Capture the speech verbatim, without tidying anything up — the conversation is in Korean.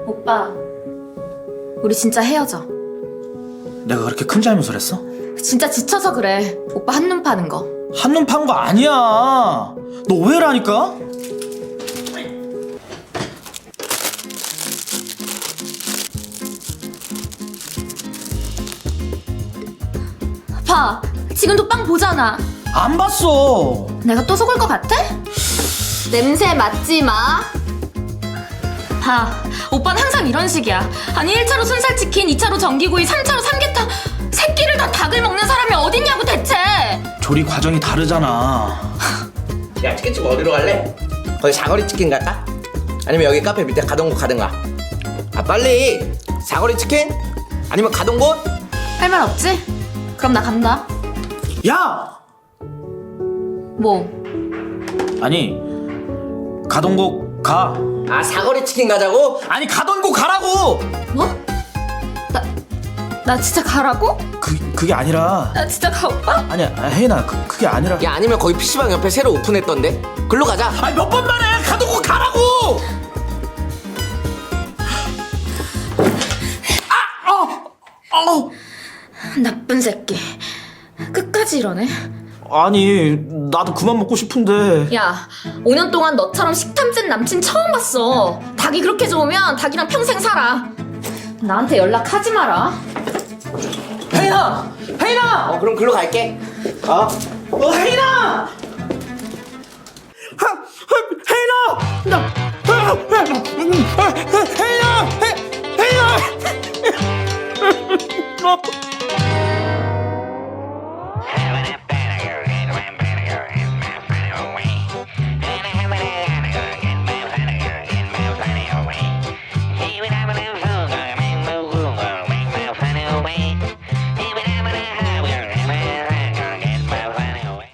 오빠, 우리 진짜 헤어져. 내가 그렇게 큰 잘못을 했어? 진짜 지쳐서 그래. 오빠 한눈 파는 거. 한눈 판 거 아니야. 너 오해라니까? 봐, 지금도 빵 보잖아. 안 봤어. 내가 또 속을 것 같아? 냄새 맡지 마. 봐, 오빠는 항상 이런 식이야. 아니 일 차로 순살치킨, 이 차로 전기구이, 삼 차로 삼계탕. 새끼를 다 닭을 먹는 사람이 어딨냐고 대체. 조리 과정이 다르잖아. 야, 치킨집 어디로 갈래? 거기 사거리 치킨 갈까? 아니면 여기 카페 밑에 가던 곳 가든가. 아, 빨리! 사거리 치킨? 아니면 가던 곳? 할 말 없지? 그럼 나 간다. 야! 뭐? 아니, 가던 곳 가. 아, 사거리 치킨 가자고? 아니, 가던 곳 가라고! 뭐? 나, 나 진짜 가라고? 그, 그게 아니라. 나 진짜 가, 오빠? 아니야, 혜인아, 그, 그게 아니라. 야, 아니면 거기 피시방 옆에 새로 오픈했던데? 글로 가자. 아니, 몇 번 말해! 가던 곳 가라고! 아! 어! 어! 나쁜 새끼. 끝까지 이러네. 아니, 나도 그만 먹고 싶은데. 야, 오 년 동안 너처럼 식탐 찐 남친 처음 봤어. 닭이 그렇게 좋으면 닭이랑 평생 살아. 나한테 연락하지 마라. 혜인아! 혜인아! 어, 그럼 글로 갈게. 어? 어, 혜인아! 하, 하, 혜인아! 나, 아, 아, 혜인아! 혜, 혜인아! 혜, 혜인아!